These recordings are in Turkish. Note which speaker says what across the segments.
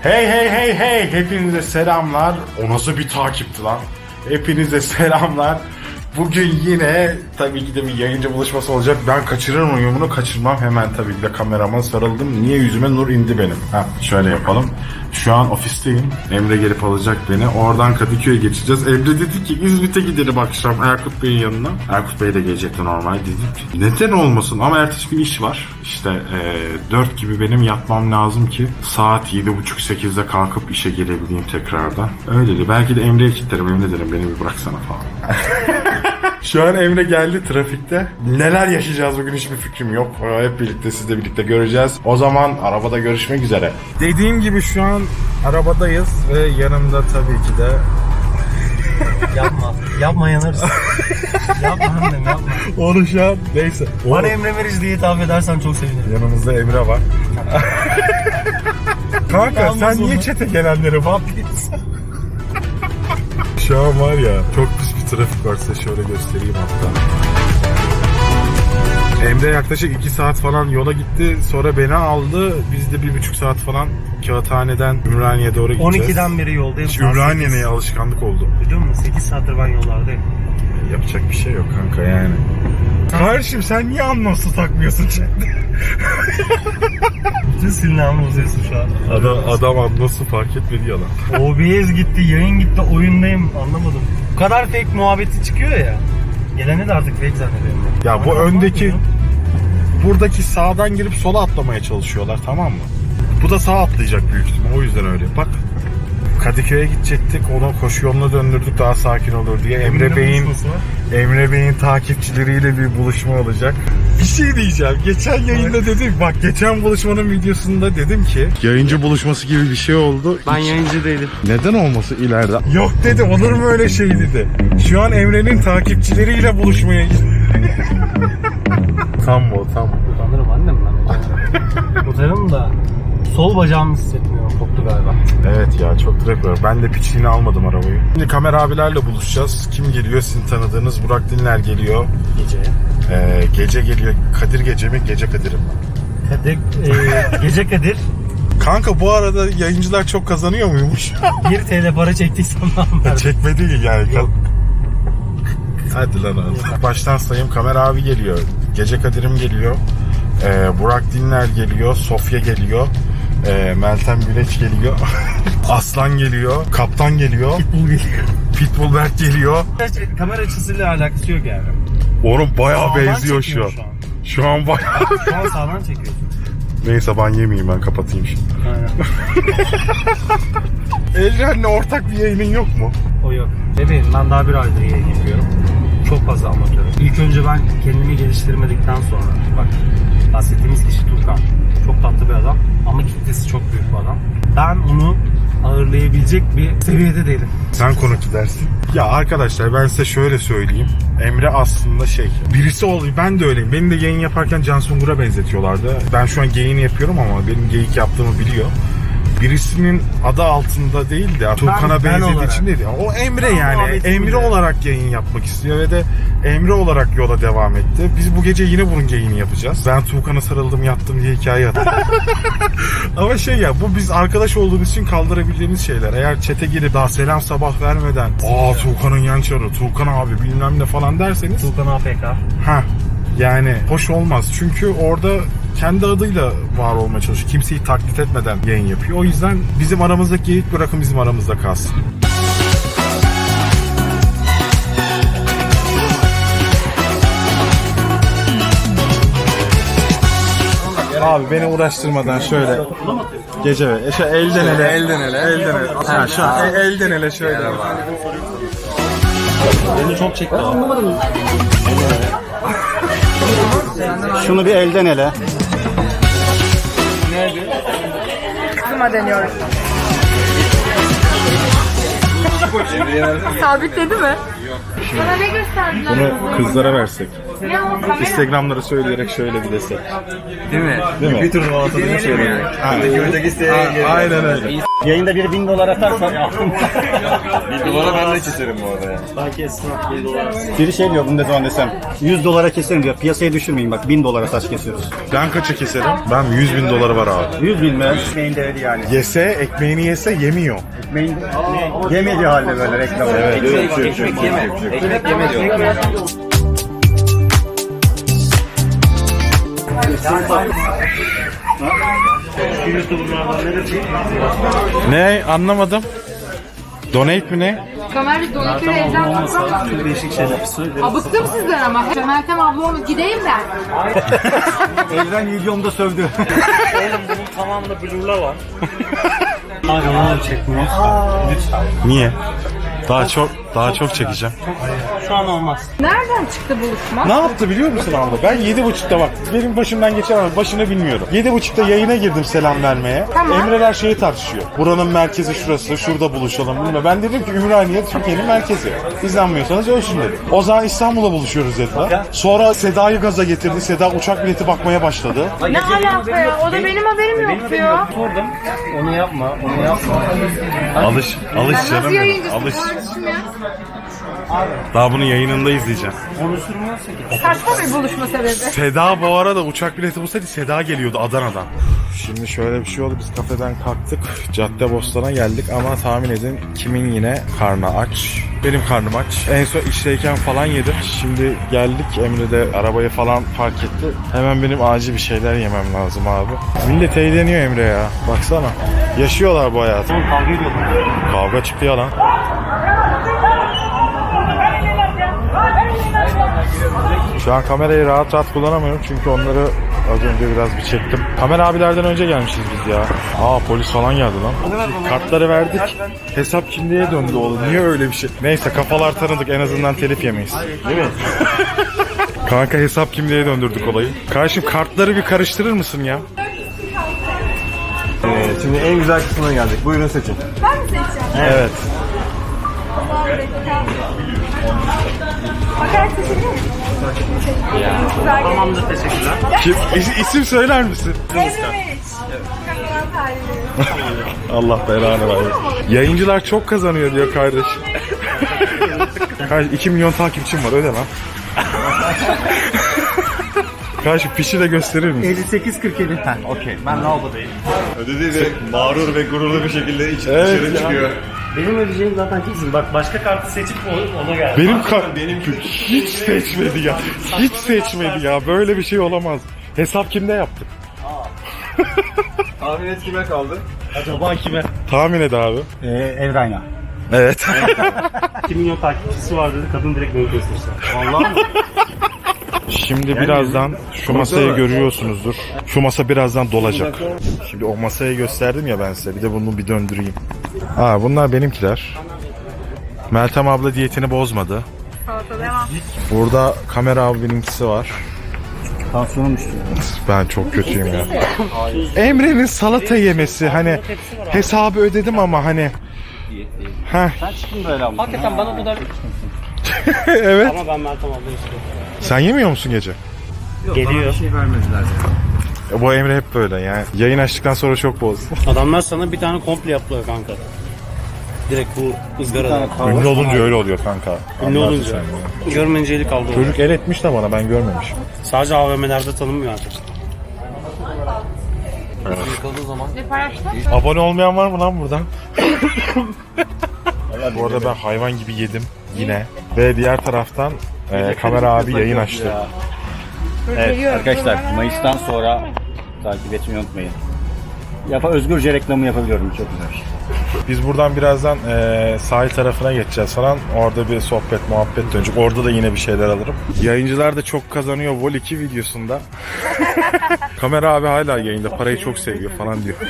Speaker 1: Hey hey hey hey, hepinize selamlar. O nasıl bir takipti lan? Hepinize selamlar. Bugün yine tabii ki de bir yayıncı buluşması olacak. Ben kaçırır mıyım bunu? Kaçırmam. Hemen tabii ki de kamerama sarıldım. Niye yüzüme nur indi benim? Şöyle yapalım. Şu an ofisteyim. Emre gelip alacak beni. Oradan Kadıköy'e geçeceğiz. Emre dedi ki İzmit'e gidelim akşam Erkut Bey'in yanına. Erkut Bey de gelecekti normal. Dedik neden olmasın? Ama ertesi gün iş var. İşte 4 gibi benim yatmam lazım ki saat 7.30-8'de kalkıp işe gelebileyim tekrardan. Öyle de. Belki de Emre'ye kilitlerim. Emre derim beni bir bıraksana falan. Şu an Emre geldi trafikte. Neler yaşayacağız bugün hiçbir fikrim yok. Hep birlikte sizle birlikte göreceğiz. O zaman arabada görüşmek üzere. Dediğim gibi şu an arabadayız ve yanımda tabii ki de...
Speaker 2: Yapma yanarız. Yapma annem yapma.
Speaker 1: Onu şu an neyse.
Speaker 2: Bana Emre Meriç diye hitap edersen çok sevinirim.
Speaker 1: Yanımızda Emre var. Kanka
Speaker 2: Yalnız
Speaker 1: sen niye
Speaker 2: onu.
Speaker 1: çete gelenleri vapiyetsin? Şu an var ya çok pis bir trafik var, size şöyle göstereyim hatta. Emre yaklaşık 2 saat falan yola gitti, sonra beni aldı. Biz de 1,5 saat falan Kağıthane'den Ümraniye'ye doğru gideceğiz.
Speaker 2: 12'den beri yoldayım.
Speaker 1: Ümraniye'ye alışkanlık oldu.
Speaker 2: Biliyor musun? 8 saattir ben yollardayım.
Speaker 1: Yapacak bir şey yok kanka yani. Kardeşim sen niye anlamsız takmıyorsun şimdi?
Speaker 2: Bütün silinağımı bozuyorsun şu an.
Speaker 1: Adam anlamsız fark etmedi yalan.
Speaker 2: OBS gitti, yayın gitti, oyundayım anlamadım. Bu kadar fake muhabbeti çıkıyor ya. Geleni de artık fake zannediyorum ben.
Speaker 1: Ya bu
Speaker 2: Ama
Speaker 1: öndeki...
Speaker 2: bakmıyorum.
Speaker 1: Buradaki sağdan girip sola atlamaya çalışıyorlar, tamam mı? Bu da sağa atlayacak büyük ihtimal, o yüzden öyle. Bak Kadıköy'e gidecektik, onu koşu yoluna döndürdük daha sakin olur diye. Emre Bey'in takipçileriyle bir buluşma olacak. Bir şey diyeceğim. Geçen yayında dedim, bak geçen buluşmanın videosunda dedim ki yayıncı buluşması gibi bir şey oldu.
Speaker 2: Ben yayıncı değilim.
Speaker 1: Neden olması ileride? Yok dedi, olur mu öyle şey dedi. Şu an Emre'nin takipçileriyle buluşmaya Tam bu.
Speaker 2: Utanırım annem ben. Utanırım da sol bacağımı hissetmiyorum. Koptu galiba.
Speaker 1: Evet ya, çok trafik var. Ben de piçliğini almadım arabayı. Şimdi Kamer abilerle buluşacağız. Kim geliyor? Sizin tanıdığınız Burak Dinler geliyor. Gece geliyor. Kadir Gece mi? Gece Kadir'im.
Speaker 2: Gece Kadir.
Speaker 1: Kanka bu arada yayıncılar çok kazanıyor muymuş?
Speaker 2: 1 TL para çektiysen ben.
Speaker 1: Çekme değil yani. Hadi lan abi. Baştan sayayım. Kamer abi geliyor. Gece Kadir'im geliyor. Burak Dinler geliyor. Sofya geliyor. Meltem Güleç geliyor. Aslan geliyor. Kaptan geliyor.
Speaker 2: Pitbull geliyor.
Speaker 1: Pitbull Berk geliyor.
Speaker 2: Kamera açısıyla alakası yok yani.
Speaker 1: Oğlum bayağı
Speaker 2: Sağdan
Speaker 1: benziyor şu
Speaker 2: çekiyor
Speaker 1: an. Şu an bayağı.
Speaker 2: Şu an sağdan çekiyorsun.
Speaker 1: Neyse ben yemeyeyim, ben kapatayım şimdi.
Speaker 2: Aynen.
Speaker 1: Elren'le ortak bir yayının yok mu?
Speaker 2: O yok. Bebeğim ben daha bir aydır yayın yapıyorum. Çok fazla amatörüm. İlk önce ben kendimi geliştirmedikten sonra bak bahsettiğimiz kişi Turkan. Çok tatlı bir adam ama kitlesi çok büyük bir adam. Ben onu ağırlayabilecek bir seviyede değilim.
Speaker 1: Sen konuk dersin. Ya arkadaşlar ben size şöyle söyleyeyim. Emre aslında birisi oluyor. Ben de öyleyim. Beni de yayın yaparken Can Sungur'a benzetiyorlardı. Ben şu an yayını yapıyorum ama benim geyik yaptığımı biliyor. Birisinin adı altında değil de Turkan'a benzediği için değil. O Emre yani. Emre olarak yayın yapmak istiyor ve de Emre olarak yola devam etti. Biz bu gece yine bunun yayını yapacağız. Ben Turkan'a sarıldım yattım diye hikaye attım. Ama bu biz arkadaş olduğumuz için kaldırabileceğimiz şeyler. Eğer chat'e girip daha selam sabah vermeden Turkan'ın yan çarı, Turkan abi bilmem ne falan derseniz.
Speaker 2: Turkan APK.
Speaker 1: Yani hoş olmaz. Çünkü orada kendi adıyla var olmaya çalışıyor. Kimseyi taklit etmeden yayın yapıyor. O yüzden bizim aramızdaki geyik bırakın bizim aramızda kalsın. Abi beni uğraştırmadan şöyle gece ve elden ele. Ha, şu an elden ele şöyle.
Speaker 2: Beni çok çekti.
Speaker 3: Şunu bir elden ele.
Speaker 4: Kızıma deniyoruz. Sabitledi mi? Bana ne gösterdiler?
Speaker 1: Bunu kızlara versek.
Speaker 4: Ne o kamera?
Speaker 1: Instagram'ları söyleyerek şöyle bir desek.
Speaker 3: Değil mi?
Speaker 1: Değil mi?
Speaker 3: Bir turnuva atadığını söylüyor. Öndeki isteğe
Speaker 1: Aynen öyle.
Speaker 2: Yayında biri 1000 dolar atarsa ya.
Speaker 3: $1 ben de keserim bu arada ya.
Speaker 2: Belki esnaf 1000 dolar.
Speaker 5: Biri şey diyor, bunu ne zaman desem 100 dolara keserim diyor. Piyasaya düşürmeyin bak, 1000 dolara taş kesiyoruz.
Speaker 1: Ben kaça keserim? Ben 100.000 doları var abi.
Speaker 5: 100 bin mi? Ekmeğin değeri yani.
Speaker 1: Yese, ekmeğini yese yemiyor.
Speaker 5: Ekmeğin yemediği halde böyle reklam.
Speaker 1: Evet.
Speaker 3: Ekmek yeme. Ekmek yeme diyor.
Speaker 1: Ne? Anlamadım. Donate mi ne?
Speaker 4: Kamerayı donatörü evden tutsam.
Speaker 2: Çok değişik şeyler söylüyor.
Speaker 4: Bıktım sizden ama. Meltem abla olmuş. Gideyim ben.
Speaker 5: Evren videomda sövdü.
Speaker 2: Oğlum bunun tamamında blurla var. Abi onu çekmiyor. Lütfen.
Speaker 1: Niye? Daha çok çekeceğim.
Speaker 2: Şu an olmaz.
Speaker 4: Nereden çıktı buluşma?
Speaker 1: Ne yaptı biliyor musun abla? Ben 7.30'da bak benim başımdan geçen ama başını bilmiyorum. 7.30'da yayına girdim selam vermeye.
Speaker 4: Tamam.
Speaker 1: Emreler şeyi tartışıyor. Buranın merkezi şurası, şurada buluşalım. Bilmem. Ben dedim ki Ümraniye Türkiye'nin merkezi. İzlenmiyorsanız ölçün dedim. O zaman İstanbul'a buluşuyoruz dediler. Sonra Seda'yı gaza getirdi. Seda uçak bileti bakmaya başladı.
Speaker 4: Ne alaka ya? O da benim haberim yok ya.
Speaker 2: Sordum. Onu yapma, onu yapma.
Speaker 1: Alış
Speaker 4: Ben nasıl
Speaker 1: canım.
Speaker 4: yayıncısın
Speaker 1: Alış.
Speaker 4: kardeşim ya?
Speaker 1: Daha bunun yayınında izleyeceğim.
Speaker 2: Konuşturmuyorsa ki.
Speaker 4: Saçma bir buluşma sebebi.
Speaker 1: Seda bu arada uçak bileti bulsaydı Seda geliyordu Adana'dan. Şimdi şöyle bir şey oldu. Biz kafeden kalktık. Caddebostan'a geldik ama tahmin edin kimin yine karnı aç. Benim karnım aç. En son işteyken falan yedim. Şimdi geldik. Emre de arabayı falan park etti. Hemen benim acil bir şeyler yemem lazım abi. Millet eğleniyor Emre ya. Baksana. Yaşıyorlar bu hayatı.
Speaker 2: Oğlum kavga ediyorlar.
Speaker 1: Kavga çıktı ya lan. Şu an kamerayı rahat rahat kullanamıyorum çünkü onları az önce biraz bir çektim. Kamera abilerden önce gelmişiz biz ya. Aa polis falan geldi lan. Kartları verdik. Hesap kimliğe döndü oğlum. Niye öyle bir şey? Neyse kafalar tanıdık en azından telif yemeyiz. Değil mi? Kanka hesap kimliğe döndürdük olayı. Kardeşim kartları bir karıştırır mısın ya?
Speaker 3: Şimdi en güzel kısmına geldik. Buyurun seçin.
Speaker 4: Ben mi seçeceğim?
Speaker 1: Evet.
Speaker 4: Bakar seçebilir miyim? Güzel
Speaker 2: Tamamdır, teşekkürler.
Speaker 1: İsim söyler misin?
Speaker 4: Emre Meriç. Kazanan tarihi.
Speaker 1: Allah belanı versin. Yayıncılar çok kazanıyor diyor kardeş. Kardeş 2 milyon takipçim var öde lan. Kardeş fişi de gösterir misin?
Speaker 5: 58-47. Ha, okey. Ben lavabodayım.
Speaker 3: Ödedi ve mağrur ve gururlu bir şekilde
Speaker 1: Evet
Speaker 3: dışarı
Speaker 1: ya.
Speaker 3: çıkıyor.
Speaker 2: Benim ödeyeceğim zaten kesin. Bak başka kartı seçip ona geldi.
Speaker 1: Benim hiç seçmedi ya. Hiç seçmedi ya. Böyle bir şey olamaz. Hesap kimde yaptık?
Speaker 3: Tahmin et kime kaldı?
Speaker 2: Acaba kime?
Speaker 1: Tahmin et abi.
Speaker 5: Evrayna.
Speaker 1: Evet.
Speaker 2: 2 milyon takipçisi var dedi. Kadın direkt beni kesmişler. Vallahi mi?
Speaker 1: Şimdi birazdan şu masayı görüyorsunuzdur. Şu masa birazdan dolacak. Şimdi o masayı gösterdim ya ben size. Bir de bunu bir döndüreyim. Aa bunlar benimkiler. Meltem abla diyetini bozmadı.
Speaker 4: Salata devam.
Speaker 1: Burada kamera abininkisi var.
Speaker 5: Tansiyonum düştü.
Speaker 1: Ben çok kötüyüm ya. Emre'nin salata yemesi hani hesabı ödedim ama hani Heh,
Speaker 5: Sen çıktın böyle ama.
Speaker 2: Hakikaten bana bu da...
Speaker 1: evet.
Speaker 2: Ama ben Meltem abla istiyorum.
Speaker 1: Sen yemiyor musun gece?
Speaker 2: Geliyor.
Speaker 5: şey vermediler.
Speaker 1: Bu Emre hep böyle yani. Yayın açtıktan sonra çok bozdu.
Speaker 2: Adamlar sana bir tane komple yaptılar kanka. Direkt bu ızgarada.
Speaker 1: Ünlü olunca öyle oluyor kanka.
Speaker 2: Ünlü
Speaker 1: Anlarsın
Speaker 2: olunca.
Speaker 1: sen ya.
Speaker 2: Görmeyince eli kaldı.
Speaker 1: Çocuk el etmiş de bana ben görmemişim.
Speaker 2: Sadece AVM'lerde tanınmıyor artık.
Speaker 4: Ne paylaştın?
Speaker 1: Abone olmayan var mı lan buradan? Bu arada ben hayvan gibi yedim yine. Ve diğer taraftan kamera abi yayın açtı.
Speaker 5: Evet arkadaşlar, Mayıs'tan sonra takip etmeyi unutmayın. Özgürce reklamı yapabiliyorum, çok güzel.
Speaker 1: Biz buradan birazdan sahil tarafına geçeceğiz falan. Orada bir sohbet muhabbet dönecek. Orada da yine bir şeyler alırım. Yayıncılar da çok kazanıyor Vol 2 videosunda. Kamera abi hala yayında parayı çok seviyor falan diyor.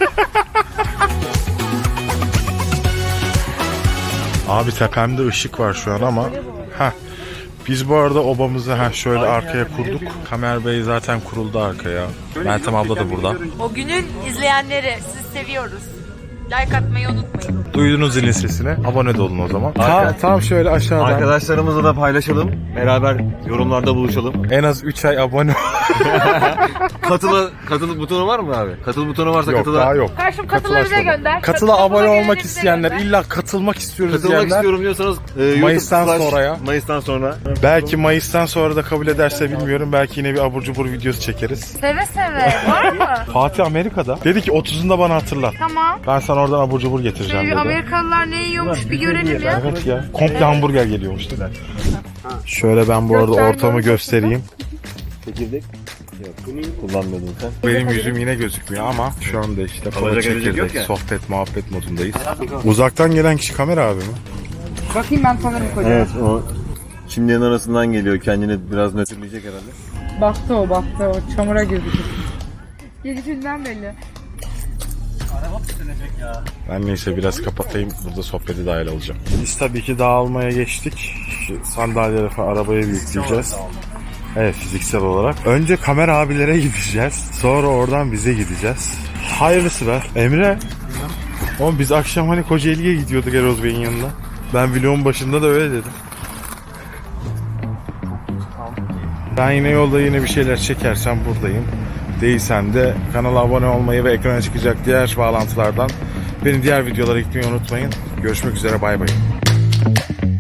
Speaker 1: Abi tepemde ışık var şu an ama biz bu arada obamızı şöyle arkaya kurduk. Kamer Bey zaten kuruldu arkaya. Meltem abla da burada.
Speaker 6: O günün izleyenleri sizi seviyoruz.
Speaker 4: Like atmayı unutmayın.
Speaker 1: Duydunuz zilin sesini. Abone de olun o zaman.
Speaker 3: Arka-
Speaker 1: Tam şöyle aşağıdan.
Speaker 3: Arkadaşlarımızla da paylaşalım. Beraber yorumlarda buluşalım.
Speaker 1: En az 3 ay abone
Speaker 3: Katıl butonu var mı abi? Katıl butonu varsa
Speaker 1: Yok
Speaker 3: katıla.
Speaker 1: daha yok.
Speaker 4: Karşım katıla bize gönder.
Speaker 1: Katıla abone olmak
Speaker 4: geleni bize
Speaker 1: isteyenler,
Speaker 4: gönder.
Speaker 1: illa katılmak istiyoruz
Speaker 3: Katılmak
Speaker 1: diyenler.
Speaker 3: istiyorum diyorsanız
Speaker 1: Mayıs'tan
Speaker 3: YouTube
Speaker 1: sonraya.
Speaker 3: Mayıs'tan sonra.
Speaker 1: Belki Mayıs'tan sonra da kabul ederse bilmiyorum. Belki yine bir abur cubur videosu çekeriz.
Speaker 4: Seve seve. Var mı?
Speaker 1: Fatih Amerika'da. Dedi ki 30'unda bana hatırlat.
Speaker 4: Tamam.
Speaker 1: Ben sana oradan abur cubur getireceğim dedi.
Speaker 4: Amerikalılar ne yiyormuş bir görelim ya.
Speaker 1: Evet ya. Komple hamburger geliyormuş dedi. Şöyle ben bu arada ortamı göstereyim.
Speaker 3: Çekirdek? Yok. Kullanmıyordun sen.
Speaker 1: Benim yüzüm yine gözükmüyor ama şu anda işte kola
Speaker 3: Alacak edecek yok
Speaker 1: çekirdek,
Speaker 3: ya.
Speaker 1: sohbet, muhabbet modundayız. Uzaktan gelen kişi kamera abi mi?
Speaker 6: Bakayım ben tanırım kocayı.
Speaker 3: Evet o çimlerin arasından geliyor. Kendini biraz nötrleyecek herhalde.
Speaker 6: Baktı o çamura girdi. Gelişinden belli.
Speaker 1: Ben neyse biraz kapatayım. Burada sohbete dahil olacağım. Biz tabii ki dağılmaya geçtik. Şu sandalyeleri falan arabaya yükleyeceğiz. Evet, fiziksel olarak. Önce kamera abilere gideceğiz. Sonra oradan bize gideceğiz. Hayırlısı be. Emre. Oğlum biz akşam hani Kocaeli'ye gidiyorduk Eroz Bey'in yanına. Ben vlogun başında da öyle dedim. Ben yine yolda yine bir şeyler çekersem buradayım. Değilsen de kanala abone olmayı ve ekrana çıkacak diğer bağlantılardan beni diğer videolara gitmeyi unutmayın. Görüşmek üzere, bay bay.